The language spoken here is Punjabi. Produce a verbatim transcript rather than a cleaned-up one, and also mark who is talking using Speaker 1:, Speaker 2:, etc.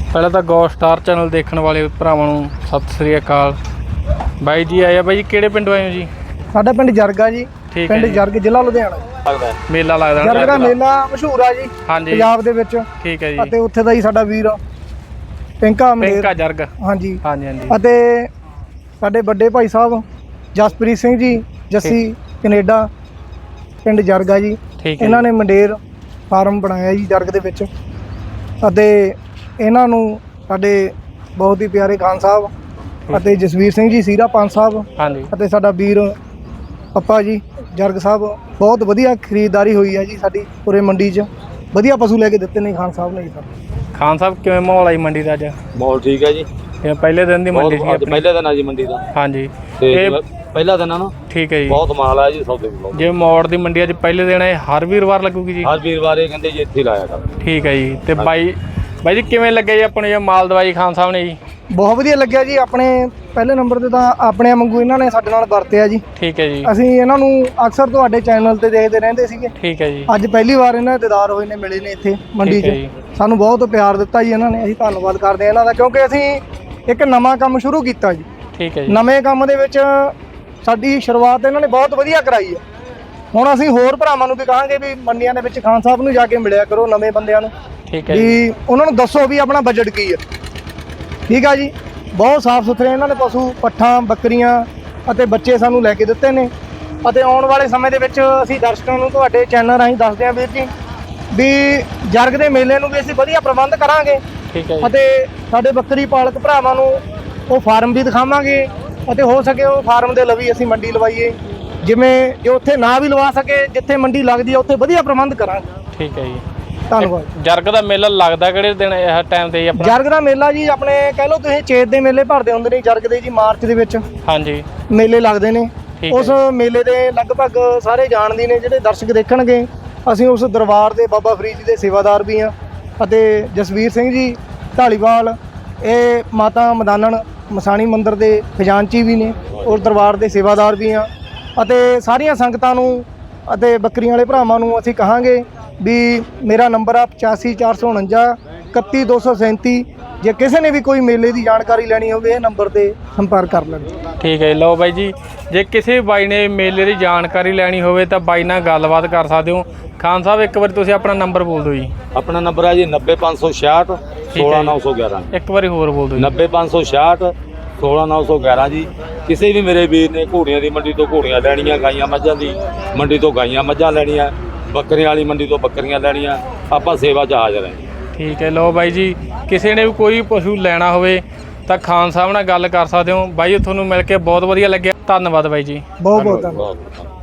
Speaker 1: ਪਹਿਲਾਂ ਤਾਂ ਗੋ ਸਟਾਰ ਚੈਨਲ ਦੇਖਣ ਵਾਲੇ ਭਰਾਵਾਂ ਨੂੰ ਸਤਿ ਸ੍ਰੀ ਅਕਾਲ। ਬਾਈ ਜੀ ਆਏ ਆ। ਬਾਈ ਜੀ ਕਿਹੜੇ ਪਿੰਡੋਂ ਆਏ ਹੋ ਜੀ?
Speaker 2: ਸਾਡਾ ਪਿੰਡ ਜਰਗਾ ਜੀ।
Speaker 1: ਠੀਕ ਹੈ
Speaker 2: ਪਿੰਡ
Speaker 1: ਜੀ।
Speaker 2: ਜਰਗ ਜ਼ਿਲ੍ਹਾ ਲੁਧਿਆਣਾ।
Speaker 1: ਮੇਲਾ ਲੱਗਦਾ
Speaker 2: ਜਰਗ ਦਾ ਮੇਲਾ ਮਸ਼ਹੂਰ ਆ ਜੀ
Speaker 1: ਹਾਂਜੀ
Speaker 2: ਪੰਜਾਬ ਦੇ ਵਿੱਚ।
Speaker 1: ਠੀਕ ਹੈ ਜੀ।
Speaker 2: ਅਤੇ ਉੱਥੇ ਦਾ ਹੀ ਸਾਡਾ ਵੀਰ ਪਿੰਕਾ
Speaker 1: ਪਿੰਕਾ ਜਰਗ।
Speaker 2: ਹਾਂਜੀ
Speaker 1: ਹਾਂਜੀ ਹਾਂਜੀ।
Speaker 2: ਅਤੇ ਸਾਡੇ ਵੱਡੇ ਭਾਈ ਸਾਹਿਬ ਜਸਪ੍ਰੀਤ ਸਿੰਘ ਜੀ ਜੱਸੀ ਕੈਨੇਡਾ ਪਿੰਡ ਜਰਗਾ ਜੀ।
Speaker 1: ਠੀਕ ਹੈ।
Speaker 2: ਇਹਨਾਂ ਨੇ ਮੰਡੇਰ ਫਾਰਮ ਬਣਾਇਆ ਜੀ ਜਰਗ ਦੇ ਵਿੱਚ। ਅਤੇ ਇਹਨਾਂ ਨੂੰ ਸਾਡੇ ਬਹੁਤ ਹੀ ਪਿਆਰੇ ਖਾਨ ਸਾਹਿਬ ਅਤੇ ਜਸਵੀਰ ਸਿੰਘ ਜੀ ਸੀਰਾ ਪੰਜ ਸਾਹਿਬ
Speaker 1: ਹਾਂਜੀ
Speaker 2: ਅਤੇ ਸਾਡਾ ਵੀਰ ਪੱਪਾ ਜੀ ਜਰਗ ਸਾਹਿਬ ਬਹੁਤ ਵਧੀਆ ਖਰੀਦਦਾਰੀ ਹੋਈ ਹੈ ਜੀ ਸਾਡੀ ਪੂਰੇ ਮੰਡੀ 'ਚ। ਵਧੀਆ ਪਸ਼ੂ ਲੈ ਕੇ ਦਿੱਤੇ ਨੇ ਖਾਨ ਸਾਹਿਬ ਨੇ ਜੀ। ਸਰ
Speaker 1: ਖਾਨ ਸਾਹਿਬ ਕਿਵੇਂ ਮਾਹੌਲ ਆਈ ਮੰਡੀ ਦਾ ਅੱਜ?
Speaker 3: ਮਾਹੌਲ ਠੀਕ ਹੈ ਜੀ।
Speaker 1: ਇਹ ਪਹਿਲੇ ਦਿਨ ਦੀ ਮੰਡੀ ਸੀ ਆਪਣੀ?
Speaker 3: ਪਹਿਲੇ ਦਿਨ ਆ ਜੀ ਮੰਡੀ ਦਾ।
Speaker 1: ਹਾਂਜੀ
Speaker 3: ਇਹ ਪਹਿਲਾ ਦਿਨ ਆ ਨਾ।
Speaker 1: ਠੀਕ ਹੈ ਜੀ।
Speaker 3: ਬਹੁਤ ਮਾਲ ਆ ਜੀ ਸੌਦੇ ਕੋਲ।
Speaker 1: ਜੇ ਮੋੜ ਦੀ ਮੰਡੀ ਅੱਜ ਪਹਿਲੇ ਦਿਨ ਹੈ, ਹਰ ਵੀਰਵਾਰ ਲੱਗੂਗੀ ਜੀ?
Speaker 3: ਹਰ ਵੀਰਵਾਰ ਇਹ ਕਹਿੰਦੇ ਜੀ ਇੱਥੇ ਲਾਇਆ ਕਰ।
Speaker 1: ਠੀਕ ਹੈ ਜੀ। ਤੇ ਬਾਈ ਬਾਈ ਜੀ ਕਿਵੇਂ ਲੱਗਿਆ ਜੀ ਆਪਣੇ ਮਾਲ ਦਵਾਈ ਖਾਨ ਸਾਹਿਬ ਨੇ ਜੀ?
Speaker 2: ਬਹੁਤ ਵਧੀਆ ਲੱਗਿਆ ਜੀ। ਆਪਣੇ ਪਹਿਲੇ ਨੰਬਰ ਤੇ ਤਾਂ ਆਪਣੇ ਵਾਂਗੂ ਇਹਨਾਂ ਨੇ ਸਾਡੇ ਨਾਲ ਵਰਤਿਆ ਜੀ।
Speaker 1: ਠੀਕ ਹੈ ਜੀ।
Speaker 2: ਅਸੀਂ ਇਹਨਾਂ ਨੂੰ ਅਕਸਰ ਤੁਹਾਡੇ ਚੈਨਲ ਤੇ ਦੇਖਦੇ ਰਹਿੰਦੇ ਸੀਗੇ।
Speaker 1: ਠੀਕ ਹੈ ਜੀ।
Speaker 2: ਅੱਜ ਪਹਿਲੀ ਵਾਰ ਇਹਨਾਂ ਦੇ ਦੀਦਾਰ ਹੋਏ ਨੇ, ਮਿਲੇ ਨੇ ਇੱਥੇ ਮੰਡੀ 'ਚ। ਸਾਨੂੰ ਬਹੁਤ ਪਿਆਰ ਦਿੱਤਾ ਜੀ ਇਹਨਾਂ ਨੇ। ਅਸੀਂ ਧੰਨਵਾਦ ਕਰਦੇ ਹਾਂ ਇਹਨਾਂ ਦਾ, ਕਿਉਂਕਿ ਅਸੀਂ ਇੱਕ ਨਵਾਂ ਕੰਮ ਸ਼ੁਰੂ ਕੀਤਾ ਜੀ।
Speaker 1: ਠੀਕ ਹੈ ਜੀ।
Speaker 2: ਨਵੇਂ ਕੰਮ ਦੇ ਵਿੱਚ ਸਾਡੀ ਸ਼ੁਰੂਆਤ ਇਹਨਾਂ ਨੇ ਬਹੁਤ ਵਧੀਆ ਕਰਾਈ ਹੈ। ਹੁਣ ਅਸੀਂ ਹੋਰ ਭਰਾਵਾਂ ਨੂੰ ਵੀ ਕਹਾਂਗੇ ਵੀ ਮੰਡੀਆਂ ਦੇ ਵਿੱਚ ਖਾਨ ਸਾਹਿਬ ਨੂੰ ਜਾ ਕੇ ਮਿਲਿਆ ਕਰੋ, ਨਵੇਂ ਬੰਦਿਆਂ ਨੂੰ।
Speaker 1: ਠੀਕ ਹੈ
Speaker 2: ਵੀ
Speaker 1: ਜੀ।
Speaker 2: ਉਹਨਾਂ ਨੂੰ ਦੱਸੋ ਵੀ ਆਪਣਾ ਬਜਟ ਕੀ ਹੈ। ਠੀਕ ਆ ਜੀ। ਬਹੁਤ ਸਾਫ਼ ਸੁਥਰੇ ਇਹਨਾਂ ਨੇ ਪਸ਼ੂ ਪੱਠਾਂ ਬੱਕਰੀਆਂ ਅਤੇ ਬੱਚੇ ਸਾਨੂੰ ਲੈ ਕੇ ਦਿੱਤੇ ਨੇ। ਅਤੇ ਆਉਣ ਵਾਲੇ ਸਮੇਂ ਦੇ ਵਿੱਚ ਅਸੀਂ ਦਰਸ਼ਕਾਂ ਨੂੰ ਤੁਹਾਡੇ ਚੈਨਲ ਰਾਹੀਂ ਦੱਸਦੇ ਹਾਂ ਵੀਰ ਜੀ ਵੀ ਜਰਗ ਦੇ ਮੇਲੇ ਨੂੰ ਵੀ ਅਸੀਂ ਵਧੀਆ ਪ੍ਰਬੰਧ ਕਰਾਂਗੇ।
Speaker 1: ਠੀਕ ਹੈ ਜੀ।
Speaker 2: ਅਤੇ ਸਾਡੇ ਬੱਕਰੀ ਪਾਲਕ ਭਰਾਵਾਂ ਨੂੰ ਉਹ ਫਾਰਮ ਵੀ ਦਿਖਾਵਾਂਗੇ ਅਤੇ ਹੋ ਸਕੇ ਉਹ ਫਾਰਮ ਦੇ ਲਵੀ ਅਸੀਂ ਮੰਡੀ ਲਵਾਈਏ। ਜਿਵੇਂ ਜੇ ਉੱਥੇ ਨਾ ਵੀ ਲਵਾ ਸਕੇ, ਜਿੱਥੇ ਮੰਡੀ ਲੱਗਦੀ ਹੈ ਉੱਥੇ ਵਧੀਆ ਪ੍ਰਬੰਧ ਕਰਾਂਗੇ।
Speaker 1: ਠੀਕ ਹੈ ਜੀ।
Speaker 2: ਧੰਨਵਾਦ।
Speaker 1: ਜਰਗ ਦਾ ਮੇਲਾ ਲੱਗਦਾ ਕਿਹੜੇ ਦਿਨ ਇਹ ਟਾਈਮ ਤੇ ਜੀ ਆਪਣਾ?
Speaker 2: ਜਰਗ ਦਾ ਮੇਲਾ ਜੀ ਆਪਣੇ ਕਹਿ ਲਓ ਤੁਸੀਂ ਚੇਤ ਦੇ ਮੇਲੇ ਭਰਦੇ ਹੁੰਦੇ ਨੇ ਜਰਗ ਦੇ ਜੀ। ਮਾਰਚ ਦੇ ਵਿੱਚ
Speaker 1: ਹਾਂਜੀ
Speaker 2: ਮੇਲੇ ਲੱਗਦੇ ਨੇ। ਉਸ ਮੇਲੇ ਦੇ ਲਗਭਗ ਸਾਰੇ ਜਾਣਦੇ ਨੇ ਜਿਹੜੇ ਦਰਸ਼ਕ ਦੇਖਣਗੇ। ਅਸੀਂ ਉਸ ਦਰਬਾਰ ਦੇ ਬਾਬਾ ਫਰੀਦ ਜੀ ਦੇ ਸੇਵਾਦਾਰ ਵੀ ਹਾਂ ਅਤੇ ਜਸਵੀਰ ਸਿੰਘ ਜੀ ਢਾਲੀਵਾਲ ਇਹ ਮਾਤਾ ਮਦਾਨਣ ਮਸਾਣੀ ਮੰਦਿਰ ਦੇ ਖਜ਼ਾਨਚੀ ਵੀ ਨੇ, ਉਸ ਦਰਬਾਰ ਦੇ ਸੇਵਾਦਾਰ ਵੀ ਹਾਂ। ਅਤੇ ਸਾਰੀਆਂ ਸੰਗਤਾਂ ਨੂੰ ਅਤੇ ਬੱਕਰੀਆਂ ਵਾਲੇ ਭਰਾਵਾਂ ਨੂੰ ਅਸੀਂ ਕਹਾਂਗੇ ਵੀ ਮੇਰਾ ਨੰਬਰ ਆ ਪਚਾਸੀ ਚਾਰ ਸੌ ਉਣੰਜਾ ਇਕੱਤੀ ਦੋ ਸੌ ਸੈਂਤੀ। ਜੇ ਕਿਸੇ ਨੇ ਵੀ ਕੋਈ ਮੇਲੇ ਦੀ ਜਾਣਕਾਰੀ ਲੈਣੀ ਹੋਵੇ ਇਹ ਨੰਬਰ 'ਤੇ ਸੰਪਰਕ ਕਰ ਲੈਣ।
Speaker 1: ਠੀਕ ਹੈ। ਲਓ ਬਾਈ ਜੀ, ਜੇ ਕਿਸੇ ਬਾਈ ਨੇ ਮੇਲੇ ਦੀ ਜਾਣਕਾਰੀ ਲੈਣੀ ਹੋਵੇ ਤਾਂ ਬਾਈ ਨਾਲ ਗੱਲਬਾਤ ਕਰ ਸਕਦੇ ਹੋ। ਖਾਨ ਸਾਹਿਬ ਇੱਕ ਵਾਰੀ ਤੁਸੀਂ ਆਪਣਾ ਨੰਬਰ ਬੋਲ ਦਿਓ ਜੀ।
Speaker 3: ਆਪਣਾ ਨੰਬਰ ਆ ਜੀ ਨੱਬੇ ਪੰਜ ਸੌ ਛਿਆਹਠ ਸੋਲਾਂ ਨੌ ਸੌ ਗਿਆਰਾਂ।
Speaker 1: ਇੱਕ ਵਾਰੀ ਹੋਰ ਬੋਲ ਦਿਓ ਜੀ।
Speaker 3: ਨੱਬੇ ਪੰਜ ਸੌ ਛਿਆਹਠ ਸੋਲਾਂ ਨੌ ਸੌ ਗਿਆਰਾਂ ਜੀ। ਕਿਸੇ ਵੀ ਮੇਰੇ ਵੀਰ ਨੇ ਘੋੜੀਆਂ ਦੀ ਮੰਡੀ ਤੋਂ ਘੋੜੀਆਂ ਲੈਣੀਆਂ, ਗਾਈਆਂ ਮੱਝਾਂ ਦੀ ਮੰਡੀ ਤੋਂ ਗਾਈਆਂ ਮੱਝਾਂ ਲੈਣੀਆਂ, ਬੱਕਰੀਆਂ ਵਾਲੀ ਮੰਡੀ ਤੋਂ ਬੱਕਰੀਆਂ ਲੈਣੀਆਂ, ਆਪਾਂ ਸੇਵਾ 'ਚ ਹਾਜ਼ਰ ਹਾਂ। ਠੀਕ
Speaker 1: ਹੈ। ਲਓ ਬਾਈ ਜੀ, ਕਿਸੇ ਨੇ ਵੀ ਕੋਈ ਪਸ਼ੂ ਲੈਣਾ ਹੋਵੇ ਤਾਂ ਖਾਨ ਸਾਹਿਬ ਨਾਲ ਗੱਲ ਕਰ ਸਕਦੇ ਹੋ। ਬਾਈ ਤੁਹਾਨੂੰ ਮਿਲ ਕੇ ਬਹੁਤ ਵਧੀਆ ਲੱਗਿਆ। ਧੰਨਵਾਦ ਬਾਈ ਜੀ।
Speaker 2: ਬਹੁਤ ਬਹੁਤ ਧੰਨਵਾਦ।